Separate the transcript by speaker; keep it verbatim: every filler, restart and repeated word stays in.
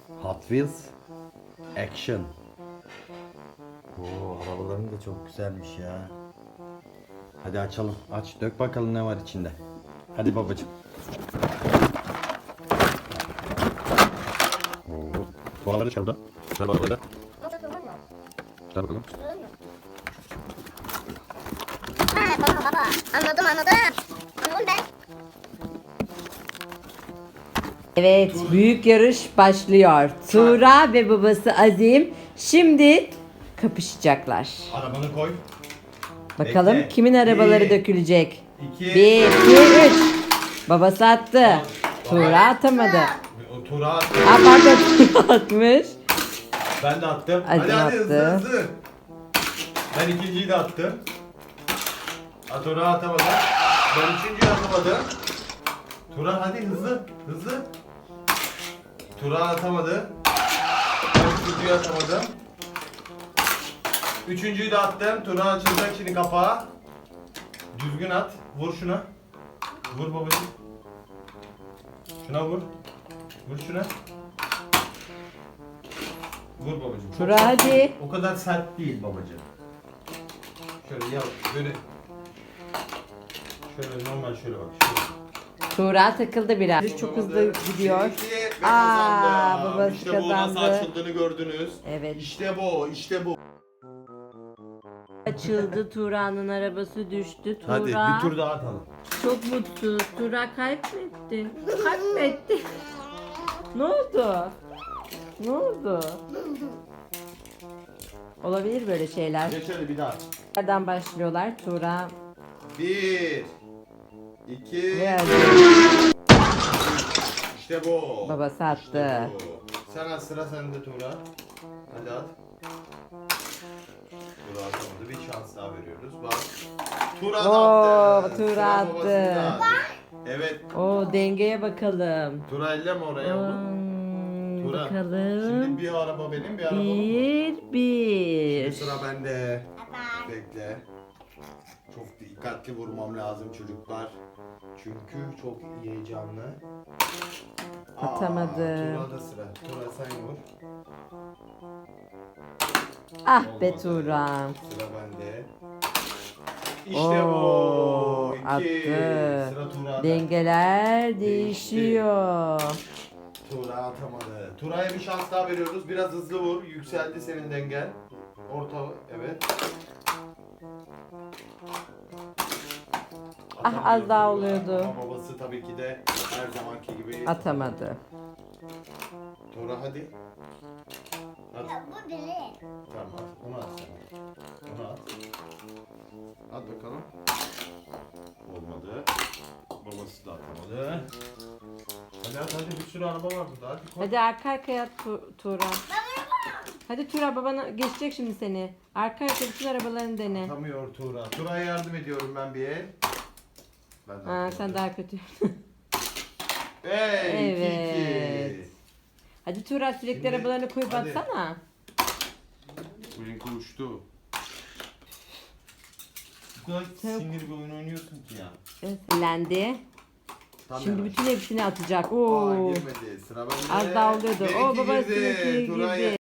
Speaker 1: Hot Wheels Action. Oo, arabaların da çok güzelmiş ya. Hadi açalım. Aç, dök bakalım ne var içinde. Hadi babacığım. Oo, tuğlaları çaldı. Şuna bak orada. Şuna bakalım.
Speaker 2: Ha, baba baba. Anladım anladım. Anladım ben.
Speaker 3: Evet, büyük yarış başlıyor. Tuğra ve babası Azim şimdi kapışacaklar.
Speaker 1: Arabanı koy.
Speaker 3: Bakalım
Speaker 1: Bekle.
Speaker 3: kimin arabaları
Speaker 1: Bir,
Speaker 3: dökülecek.
Speaker 1: iki,
Speaker 3: Bir, iki, üç. Babası attı. Tuğra atamadı.
Speaker 1: O Tuğra attı.
Speaker 3: Aa, pardon, Tuğra atmış.
Speaker 1: Ben de attım.
Speaker 3: Hadi
Speaker 1: hadi hadi hızlı
Speaker 3: attı.
Speaker 1: hızlı. Ben ikinciyi de attım. Ha, Tuğra atamadı. Ben üçüncüyü atamadım. Tuğra hadi hızlı hızlı. Tuğra atamadı. Ben üçüncüyü atamadım. Üçüncüyü de attım. Tuğra açılacak şimdi kapağı. Düzgün at. Vur şuna. Vur babacığım. Şuna vur. Vur şuna. Vur babacığım. Çok
Speaker 3: Tuğra
Speaker 1: sert
Speaker 3: hadi.
Speaker 1: değil. O kadar sert değil babacığım. Şöyle yap. Böyle. Şöyle normal şöyle bak. Şöyle.
Speaker 3: Tuğra takıldı biraz. Çok hızlı gidiyor.
Speaker 1: Seninki ve
Speaker 3: Aa,
Speaker 1: kazandı.
Speaker 3: babası
Speaker 1: İşte bu nasıl
Speaker 3: kazandı.
Speaker 1: açıldığını gördünüz.
Speaker 3: Evet.
Speaker 1: İşte bu, işte bu.
Speaker 3: Açıldı, Tuğra'nın arabası düştü. Tuğra
Speaker 1: Hadi bir tur daha atalım.
Speaker 3: çok mutsuz. Tuğra kaybetti. Kaybetti. Ne oldu? Ne oldu? Olabilir böyle şeyler.
Speaker 1: Geç hadi bir daha.
Speaker 3: Nereden başlıyorlar? Tuğra
Speaker 1: Bir, iki,
Speaker 3: ve
Speaker 1: işte bu.
Speaker 3: babası attı.
Speaker 1: İşte bu. Sen at, sıra sende Tuğra. Hadi at. Tuğra atamadı. Bir şans daha veriyoruz. Bak. Tuğra da
Speaker 3: Oo,
Speaker 1: attı.
Speaker 3: Tuğra
Speaker 1: Sıra
Speaker 3: attı.
Speaker 1: babasında. Evet.
Speaker 3: O dengeye bakalım.
Speaker 1: Tuğra elleme oraya oğlum.
Speaker 3: Hmm,
Speaker 1: Tuğra.
Speaker 3: bakalım.
Speaker 1: Şimdi bir araba benim, bir araba onun.
Speaker 3: Bir, bir.
Speaker 1: Şimdi sıra bende. Bekle. Çok dikkatli vurmam lazım çocuklar. Çünkü çok heyecanlı. Aa,
Speaker 3: Atamadı.
Speaker 1: Tuğra'da sıra. Tuğra sen vur.
Speaker 3: Ah be
Speaker 1: Olmadı.
Speaker 3: Tuğra.
Speaker 1: Sıra bende. İşte
Speaker 3: Oo,
Speaker 1: bu. İki.
Speaker 3: attı.
Speaker 1: Sıra Tuğra'da.
Speaker 3: Dengeler
Speaker 1: Değişti.
Speaker 3: değişiyor.
Speaker 1: Tuğra atamadı. Tuğra'ya bir şans daha veriyoruz. Biraz hızlı vur. Yükseldi senin dengen. Orta, evet.
Speaker 3: Ah, az
Speaker 1: Atamıyor
Speaker 3: daha
Speaker 1: Tuğra.
Speaker 3: oluyordu.
Speaker 1: Ama babası tabii ki de her zamanki gibi.
Speaker 3: Atamadı.
Speaker 1: Tuğra hadi. At.
Speaker 2: Ya bu deli.
Speaker 1: Tamam at. Onu at sen. Onu at. At bakalım. Olmadı. Babası da atamadı. Hadi at hadi, bir sürü araba var burada. Hadi koy.
Speaker 3: Hadi arka arkaya at Tu- Tuğra. Hadi Tuğra, babana geçecek şimdi seni. Arka arkaya bütün arabalarını dene.
Speaker 1: Atamıyor Tuğra. Tuğra'ya yardım ediyorum ben bir el. Ben de
Speaker 3: Ha,
Speaker 1: atamadım.
Speaker 3: sen daha kötü.
Speaker 1: Hey,
Speaker 3: Evet.
Speaker 1: iki iki.
Speaker 3: Hadi Tuğra, sürekli
Speaker 1: Şimdi,
Speaker 3: arabalarını koyup
Speaker 1: hadi.
Speaker 3: atsana.
Speaker 1: Benimki uçtu. Bu kadar sinir bir oyun oynuyorsun ki ya.
Speaker 3: Evet, sinirlendi.
Speaker 1: Tam
Speaker 3: Şimdi
Speaker 1: yavaş.
Speaker 3: bütün hepsini atacak.
Speaker 1: Aa,
Speaker 3: Oo.
Speaker 1: girmedi. Sıra bende.
Speaker 3: Az daha oluyordu.
Speaker 1: Benimki
Speaker 3: Oo, babası
Speaker 1: girdi.
Speaker 3: girdi.
Speaker 1: Tuğra'ya